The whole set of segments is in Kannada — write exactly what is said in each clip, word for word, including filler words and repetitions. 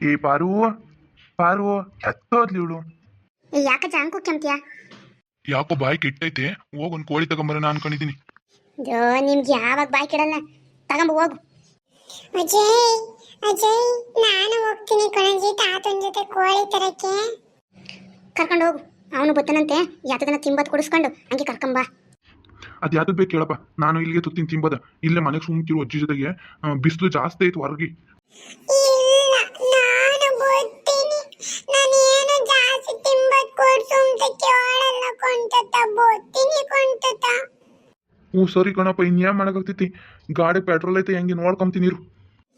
ಏ ಪಾರು ಪಾರು ಎತ್ತೋದ್ಲಿ ಇವಳು. ಏ ಯಾಕ ಜಾಂಕು ಕೆಮ್ತಿಯಾ? ಯಾಕೋ ಬಾಯಿ ಕೆಟ್ಟೈತೆ, ಹೋಗ್ ಒಂದ್ ಕೋಳಿ ತಗೊಂಬರೋಣ ಅನ್ಕೊಂಡಿದೀನಿ. ಜೋ ನಿಮ್ಗೆ ಯಾವಾಗ ಬಾಯ್ ಕೆಡಲ್ಲ, ತಗೊಂಬ ಹೋಗು. ಅಜಯ್ ಅಜಯ್ ನಾನು ಹೋಗ್ತೀನಿ ಕಣಜಿ ತಾತನ ಜೊತೆ ಕೋಳಿ ತರಕ್ಕೆ. ಕರ್ಕೊಂಡು ಹೋಗು, ಅವನು ಬತ್ತನಂತೆ. ಯಾತದನ್ನ ತಿಂಬತ್ ಕೊಡಿಸ್ಕೊಂಡು ಹಂಗೆ ಕರ್ಕೊಂಬ. ಅದ್ ಯಾವ್ದು ಬೇಕು ಕೇಳಪ್ಪ, ನಾನು ಇಲ್ಲಿಗೆ ತುತ್ತಿನ ತಿಂಬದ. ಇಲ್ಲೇ ಮನೆಗೆ ಸುಮ್ಕಿರು ಅಜ್ಜಿ ಜೊತೆಗೆ. ಬಿಸಿಲು ಜಾಸ್ತಿ ಐತೆ ಹೊರಗಿ. ಇಲ್ಲ ನಾನು ಬರ್ತೀನಿ, ನಾನು ಏನು ಜಾಸ್ತಿ ತಿಂಬತ್ ಕೊಡ್ಸು ಅಂತ ಕೇಳಲ್ಲ ಕೊಂಟತ, ಬರ್ತೀನಿ ಕೊಂಟತ. ಹ್ಞೂ ಸರಿ ಕಣಪ್ಪ, ಇನ್ಯಾವ ಮಾಡಕ್ಕಾಗ್ತೈತಿ. ಗಾಡಿ ಪೆಟ್ರೋಲ್ ಐತೆ, ಹೆಂಗೆ ನೋಡ್ಕೊಂತೀನಿ ಇರು.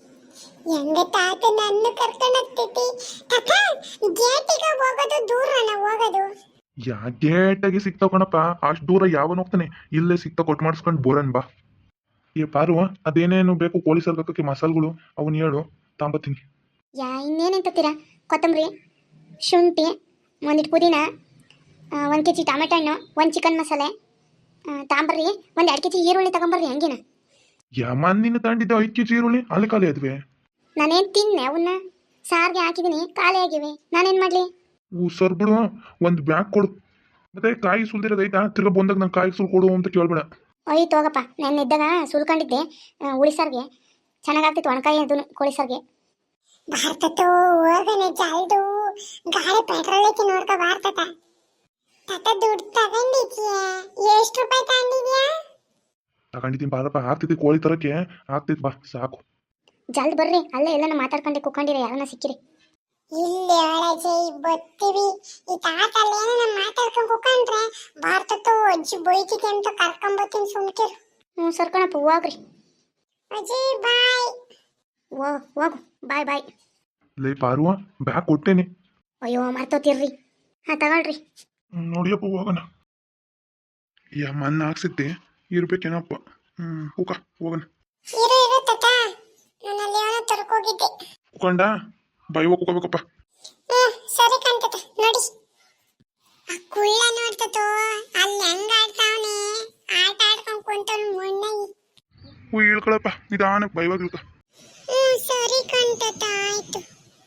ಹೆಂಗ ತಾತ ನನ್ನ ಕರ್ಕೊಂಡು ಹೋಗ್ತೈತಿ ತಾತ? ಗೇಟಿಗೆ ಹೋಗೋದು ದೂರನ ಹೋಗೋದು? ಯಾ ಗೇಟಾಗಿ ಸಿಗ್ತಾವ ಕಣಪ್ಪ, ಅಷ್ಟು ದೂರ ಯಾವನ್ ಹೋಗ್ತಾನೆ. ಇಲ್ಲೇ ಸಿಗ್ತಾ ಕೊಟ್ಟು ಮಾಡಿಸ್ಕೊಂಡು ಬೋರನ್ ಬಾ. ಏ ಪಾರು, ಅದೇನೇನು ಬೇಕು ಕೋಳಿ ಸರ್ಗಕ್ಕೆ ಮಸಾಲೆಗಳು ಅವನ್ನ ಹೇಳು, ತಾಂಬತ್ತೀನಿ. ಯಾ ಇನ್ನೇನಂತೀರಾ? ಕೊತ್ತಂಬರಿ, ಶುಂಠಿ, ಒಂದಿಟ್ಟು ಪುದೀನ, ಒಂದು ಕೆ ಜಿ ಟೊಮೆಟೊ ಹಣ್ಣು, ಒಂದು ಚಿಕನ್ ಮಸಾಲೆ ತಾಂಬರ್ರಿ. ಒಂದು ಎರಡು ಕೆ ಜಿ ಈರುಳ್ಳಿ ತಗೊಂಬರ್ರಿ. ಹಂಗೇನ ಯಾ ಮಣ್ಣಿನ ತಂಡಿದ್ದೆ ಐದು ಕೆ ಜಿ ಈರುಳ್ಳಿ ಅಲ್ಲಿ ಖಾಲಿ ಅದ್ವೆ. ನಾನೇನು ತಿನ್ನೆ ಅವನ್ನ, ಸಾರಿಗೆ ಹಾಕಿದ್ದೀನಿ, ಖಾಲಿ ಆಗಿವೆ. ನಾನೇನು ಮಾಡಲಿ? ಹೂ ಸರ್ ಬಿಡು, ಒಂದು ಬ್ಯಾಗ್ ಕೊಡು. ಮತ್ತೆ ಕಾಯಿ ಸುಲ್ದಿರೋದು ಐತಾ? ತಿರ್ಗಾ ಬಂದಾಗ ನಂಗೆ ಕಾಯಿ ಸುಲ್ ಕೊಡು ಅಂತ ಕೇಳ್ಬೇಡ. ಅಯ್ಯ ಹೋಗಪ್ಪ, ನಾನು ಇದ್ದಾಗ ಸುಲ್ಕೊಂಡಿದ್ದೆ ಉಳಿಸಾರ್ಗೆ. ಚೆನ್ನಾಗಾಗ್ತಿತ್ತು ಒಣಕಾಯಿ ಅದು ಕೋಳಿ ಸಾರಿಗೆ. ಭಾರತತ್ತು ಹೋಗನೆ ಜಲ್ದು, ಗಾಡಿ ಪೆಟ್ರೋಲ್ ಐತಿ ನೋಡ್ಕೊ ಭಾರತತ. ತಾತ ದುಡ್ಡು ತಗೊಂಡಿದ್ಯಾ? ಎಷ್ಟು ರೂಪಾಯಿ ತಗೊಂಡಿದ್ಯಾ? ತಗೊಂಡಿದ್ದೀನಿ ಬಾರಪ್ಪ, ಆಗ್ತೈತಿ ಕೋಳಿ ತರಕ್ಕೆ, ಆಗ್ತೈತಿ ಬಾ ಸಾಕು. ಜಲ್ದ್ ಬರ್ರಿ, ಅಲ್ಲೇ ಎಲ್ಲನ ಮಾತಾಡ್ಕೊಂಡೆ ಕುಕ್ಕೊಂಡಿರ ಯಾರನ್ನ ಸಿಕ್ಕಿರಿ. ಇಲ್ಲಿ ಒಳಜೆ ಬರ್ತೀವಿ. ಈ ತಾತ ಅಲ್ಲೇನ ನಮ್ಮ ಮಾತಾಡ್ಕೊಂಡು ಕುಕೊಂಡ್ರೆ ಭಾರತತ್ತು ಅಜ್ಜಿ ಬೈತಿದೆ ಅಂತ ಕರ್ಕೊಂಬತ್ತೀನಿ, ಸುಮ್ಕಿರು. ಹ್ಞೂ ಸರ್ಕಣಪ್ಪ, ಹೋಗ್ರಿ. ಅಜ್ಜಿ ಬಾಯ್. ಓ ಹೋಗು, ಬಾಯ್ ಬಾಯ್. ಲೇ ಪಾರುವ, ಬ್ಯಾಗ್ ಕೊಟ್ಟೇನೆ. ಅಯ್ಯೋ ಮರ್ತೋತಿರ್ರಿ. ಹಾಂ ತಗೊಳ್ರಿ. ನೋಡಿಯಪ್ಪ ಹೋಗೋಣ. ಯಾ ಮಣ್ಣು ಹಾಕ್ಸಿದ್ದೆ ಇರ್ಬೇಕೇನಪ್ಪ. ಹ್ಮ್ ಕೂಕ ಹೋಗೋಣ. ಇರು ಇರು ತಾತ, ನಾನು ಅಲ್ಲಿ ಅವನ ತರ್ಕೋಗಿದ್ದೆ. ಕುಕೊಂಡ ಬಾಯಿ ಹೋಗಿ ಕುಕೋಬೇಕಪ್ಪ. ಹ್ಮ್ ಸರಿ ಕಾಣ್ತತ ನೋಡಿ. ಆ ಕುಳ್ಳ ನೋಡ್ತತೋ ಅಲ್ಲಿ ಹೆಂಗ ಆಡ್ತಾವನೆ, ಆಟ ಆಡ್ಕೊಂಡ್ ಕುಂತವ್ನು ಮೊಣ್ಣಾಗಿ. ಹೂ ಇಳ್ಕೊಳಪ್ಪ, ನಿಧಾನಕ್ಕೆ ಬೈವಾಗ ಇಳ್ಕ. ಹ್ಮ್ ಸರಿ ಕಾಣ್ತತ, ಆಯ್ತು.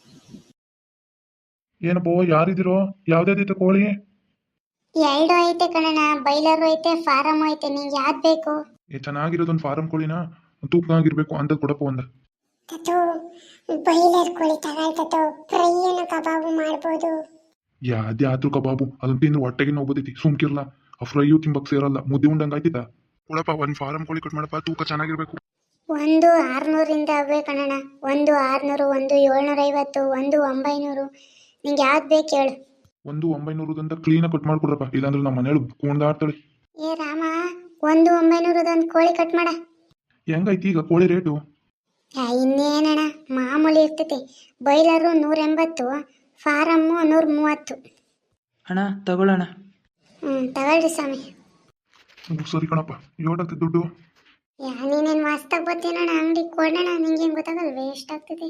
ಏನಪ್ಪೋ ಯಾರಿದಿರೋ? ಯಾವ್ದಾದೈತೆ ಕೋಳಿ? ಎರಡು ಐತೆ ಕಣಣ್ಣ, ಬೈಲರು ಐತೆ, ಫಾರಮ್ ಐತೆ. ನಿಂಗೆ ಯಾವ್ದು ಬೇಕು? ಏ ಚೆನ್ನಾಗಿರೋದೊಂದು ಫಾರಂ ಕೋಳಿನ ತೂಕನಾಗಿರ್ಬೇಕು ಅಂತ ಕೊಡಪ್ಪ ಒಂದು. ತತೋ ಬೈಲರ್ ಕೋಳಿ ತಗೊಳ್ತತೋ, ಫ್ರೈಯನ್ನು ಕಬಾಬು ಮಾಡ್ಬೋದು. ಯಾವ್ದೇ ಆದ್ರೂ ಕಬಾಬು ಅದನ್ನ ತಿಂದ್ರೆ ಹೊಟ್ಟೆಗೆ ನೋವು ಬರ್ತೈತಿ, ಸುಮ್ಕಿರ್ಲ. ಆ ಫ್ರೈಯು ತಿಂಬಕ್ ಸೇರಲ್ಲ, ಮುದ್ದೆ ಉಂಡಂಗೆ ಆಯ್ತಿತ್ತ. ಕೊಡಪ್ಪ ಒಂದು ಫಾರಂ ಕೋಳಿ ಕಟ್ ಮಾಡಪ್ಪ, ತೂಕ ಚೆನ್ನಾಗಿರ್ಬೇಕು. ಒಂದು ಆರ್ನೂರಿಂದ ಅವೇ ಕಣಣ್ಣ. ಒಂದು ಆರ್ನೂರು, ಒಂದು ಏಳ್ನೂರ ಐವತ್ತು, ಒಂದು ಒಂಬೈನೂರು. ನಿಂಗೆ ಯಾವ್ದು ಬೇಕು ಹೇಳು. ಒಂದು ಒಂಬೈನೂರದಂತ ಕ್ಲೀನಾಗಿ ಕಟ್ ಮಾಡ್ಕೊಡ್ರಪ್ಪ, ಇಲ್ಲಾಂದ್ರೆ ನಮ್ಮ ಮನೇಲಿ ಕುಣ್ದಾಡ್ತಾಳೆ. ಏ ರಾಮ, ಒಂದು ಒಂಬೈನೂರದೊಂದು ಕೋಳಿ ಕಟ್ ಮಾಡ. ಹೆಂಗೈತಿ ಈಗ ಕೋಳಿ ರೇಟು? ಇನ್ನೇನಣ್ಣ ಮಾಮೂಲಿ ಇರ್ತೈತಿ. ಬೈಲರು ನೂರ ಎಂಬತ್ತು, ಫಾರಮ್ಮು ನೂರ ಮೂವತ್ತು. ಅಣ್ಣ ತಗೊಳ್ಳೋಣ. ಹ್ಞೂ ತಗೊಳ್ರಿ ಸ್ವಾಮಿ. ಸರಿ ಕಣಪ್ಪ, ಏಟಾಗ್ತದೆ ದುಡ್ಡು? ಯಾ ನೀನೇನು ಮಸ್ತಾಗಿ ಬರ್ತೀನಣ್ಣ, ಅಂಗಡಿ ಕೊಡೋಣ. ನಿಂಗೇನು ಗೊತ್ತಾಗಲ್ವೇ ಎಷ್ಟಾಗ್ತದೆ?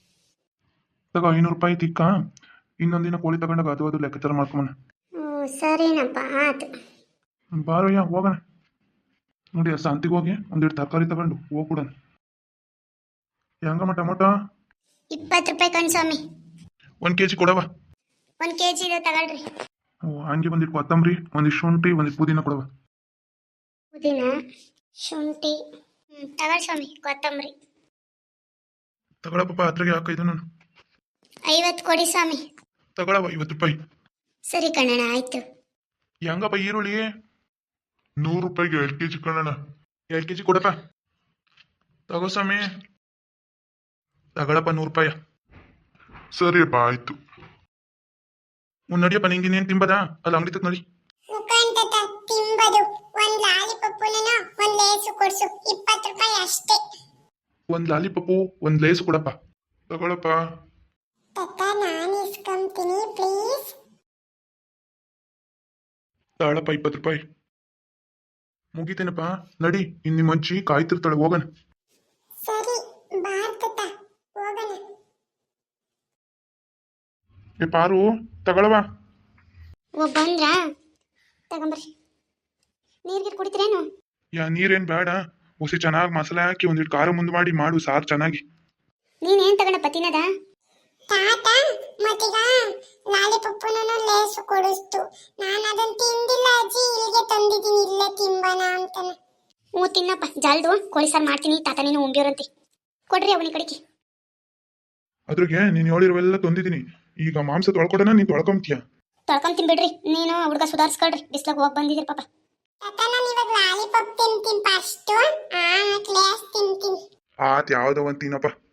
ತಗೋ ಐನೂರು ರೂಪಾಯಿ ತಿಕ್ಕ. ಇನ್ನೊಂದಿನ ಕೋಳಿ ತಗೊಂಡಾಗ ಅದು ಅದು ಲೆಕ್ಕಾಚಾರ ಮಾಡ್ಕೊಂಬನ. ಹ್ಞೂ ಸರಿನಪ್ಪ, ಆಯ್ತು. ಬಾರಯ್ಯ ಹೋಗೋಣ. ನೋಡಿ ಆ ಸಂತಿಗೆ ಹೋಗಿ ಒಂದೆರಡು ತರಕಾರಿ ತಗೊಂಡು ಹೋಗ್ಬಿಡೋಣ. ಹೆಂಗಮ್ಮ ಟೊಮೊಟೊ? ಇಪ್ಪತ್ತು ರೂಪಾಯಿ ಕಣ್ ಸ್ವಾಮಿ. ಒಂದು ಕೆ ಜಿ ಕೊಡವ. ಒಂದು ಕೆ ಜಿ ಇದೆ ತಗೊಳ್ರಿ. ಹಂಗೆ ಒಂದಿಟ್ಟು ಕೊತ್ತಂಬರಿ, ಒಂದಿಷ್ಟು ಶುಂಠಿ, ಒಂದಿಟ್ಟು ಪುದೀನ ಕೊಡವ. ಪುದೀನ, ಶುಂಠಿ, ಹ್ಞೂ ತಗೊಳ್ಳಿ ಸ್ವಾಮಿ. ಕೊತ್ತಂಬರಿ ತಗೊಳಪ್ಪ, ಹತ್ರಿಗೆ ಹಾಕೈದು ನಾನು. ಐವತ್ತು ಕೊಡಿ ಸ್ವಾಮಿ. ತಗೊಳವ ಐವತ್ತು ರೂಪಾಯಿ. ಸರಿ ಕಣ್ಣಣ್ಣ, ಆಯ್ತು. ಹೆಂಗಪ್ಪ ಈರುಳ್ಳಿ? ನೂರು ರೂಪಾಯಿಗೆ ಎರಡು ಕೆ ಜಿ ಕಣ್ಣಣ್ಣ. ಎರಡು ಕೆ ಜಿ ಕೊಡಪ್ಪ. ತಗೋ ಸ್ವಾಮಿ. ತಗೊಳಪ್ಪ ನೂರು ರೂಪಾಯ. ಸರಿಯಪ್ಪ ಆಯ್ತು. ಒಂದು ನಡಿಯಪ್ಪ, ನಿಂಗೆ ಇನ್ನೇನು ತಿಂಬದ ಅಲ್ಲಿ ಅಂಗಡಿ ತಕ್ಕ ನಡಿ. ಮುಖಾಂತತ ತಿಂಬದು ಒಂದ್ ಲಾಲಿಪಪ್ಪುನ ಒಂದ್ ಲೇಸು ಕೊಡ್ಸು, ಇಪ್ಪತ್ತು ರೂಪಾಯಿ ಅಷ್ಟೇ. ಒಂದು ಲಾಲಿಪಪ್ಪು ಒಂದು ಲೇಸ್ ಕೊಡಪ್ಪ. ತಗೊಳಪ್ಪ. ತತ್ತ ನಾನು ಇಸ್ಕೊಂತೀನಿ ಪ್ಲೀಸ್. ತಾಳಪ್ಪ ಇಪ್ಪತ್ತು ರೂಪಾಯಿ. ಮುಗಿತೇನಪ್ಪ, ನಡಿ. ಇನ್ನು ನಿಮ್ಮ ಅಜ್ಜಿ ಕಾಯ್ತಿರ್ತಾಳೆ, ಹೋಗೋಣ. ಸರಿ ಭಾರತತ ಹೋಗೋಣ. ಏ ಪಾರು ತಗೊಳವ. ಓ ಬಂದ್ರಾ? ತಗೊಂಬರ್ರಿ. ನೀರ್ಗಿರು ಕುಡಿತೀರೇನು? ಯಾ ನೀರೇನು ಬೇಡ, ಹೊಸಿ ಚೆನ್ನಾಗಿ ಮಸಾಲೆ ಹಾಕಿ ಒಂದಿಟ್ಟು ಖಾರ ಮುಂದೆ ಮಾಡಿ ಮಾಡು ಸಾರು ಚೆನ್ನಾಗಿ. ನೀನೇನು ತಗೊಂಡಪ್ಪ ತಿನ್ನದ? ತಾತ ಮತ್ತೀಗ ಲಾಲಿಪಪ್ಪನು ಲೇಸು ಕೊಡಿಸ್ತು. ನಾನು ಅದನ್ನ ತಿಂದಿಲ್ಲ ಅಜ್ಜಿ, ಇಲ್ಲಿಗೆ ತಂದಿದ್ದೀನಿ, ಇಲ್ಲೇ ತಿಂಬನ ಅಂತಾನೆ. ಹ್ಞೂ ತಿನ್ನಪ್ಪ, ಜಾಲ್ದು ಕೋಳಿ ಸಾರು ಮಾಡ್ತೀನಿ, ತಾತ ನೀನು ಉಂಬಿಯೋರಂತೆ. ಕೊಡ್ರಿ ಅವನಿ ಕಡೆಗೆ. ಅದ್ರಾಗೆ ನೀನು ಹೇಳಿರುವೆಲ್ಲ ತಂದಿದ್ದೀನಿ. ಈಗ ಮಾಂಸ ತೊಳ್ಕೊಡೋಣ, ನೀನು ತೊಳ್ಕೊಂತೀಯ. ತೊಳ್ಕೊಂತೀನಿ ಬಿಡ್ರಿ, ನೀನು ಹುಡುಗ ಸುಧಾರಿಸ್ಕೊಳ್ರಿ, ಬಿಸ್ಲಾಗ ಹೋಗಿ ಬಂದಿದ್ದೀರಿ ಪಾಪ. ತಾತ ನಾನು ಇವಾಗ ಲಾಲಿಪಾಪ್ ತಿಂತೀನಿ ಫಸ್ಟ್, ಆಮೇಲೆ ಲೇಸ್ ತಿಂತೀನಿ. ಆತ್ ಯಾವ್ದೋ ಒಂದು ತಿನ್ನಪ್ಪ.